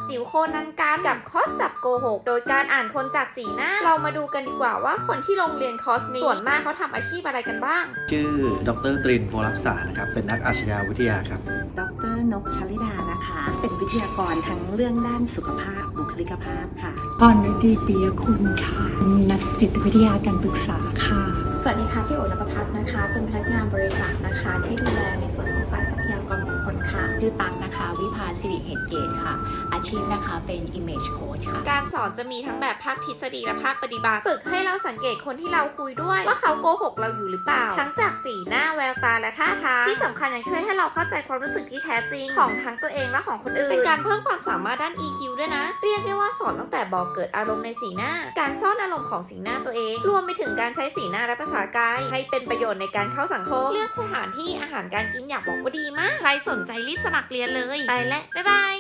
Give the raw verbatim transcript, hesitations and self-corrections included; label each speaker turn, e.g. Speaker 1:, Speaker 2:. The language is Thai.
Speaker 1: จิ๋วโคนันกันกับคอร์สจับโกหกโดยการอ่านคนจากสีหน้าเรามาดูกันดีกว่าว่าคนที่โรงเรียนคอร์สนี้ส่วนมากเขาทำอาชีพอะไรกันบ้าง
Speaker 2: ชื่อดรตรินโพรักษานะครับเป็นนักอาชญาวิทยาครับ
Speaker 3: ดรนกชลิดานะคะเป็นวิทยากรทั้งเรื่องด้านสุขภาพบุคลิกภาพค่ะ
Speaker 4: พรฤดีปียคุณค่ะนักจิตวิทยาการปรึกษาค่ะ
Speaker 5: สวัสดีค่ะพี่โอ๋นภพัฒน์นะคะเป็นพนักงานบริษัทนะคะที่ดูแลในส่วนของฝ่ายทรัพยากรบุคคลค่ะ
Speaker 6: ชื่อตั๊กนะคะวิภาสิริเหตุเกตค่ะอาชีพนะคะเป็น Image Coach ค่ะ
Speaker 1: การสอนจะมีทั้งแบบภาคทฤษฎีและภาคปฏิบัติฝึกให้เราสังเกตคนที่เราคุยด้วยว่าเขาโกหกเราอยู่หรือเปล่าทั้งจากสีหน้าแววตาและท่าทางที่สำคัญยังช่วยให้เราเข้าใจความรู้สึกที่แท้จริงของทั้งตัวเองและของคนอื่นเป็นการเพิ่มความสามารถด้าน อี คิว ด้วยนะเรียกได้ว่าสอนตั้งแต่บอกเกิดอารมณ์ในสีหน้าการซ่อนอารมณ์ของสีหน้าตัวเองรวมไปถึงการใช้สีหน้าและภาษากายให้เป็นประโยชน์ในการเข้าสังคมเลือกสถานที่อาหารการกินอยากบอกว่าดีมากใครสนใจรีบสมัครเรียนเลยไปและบ๊ายบาย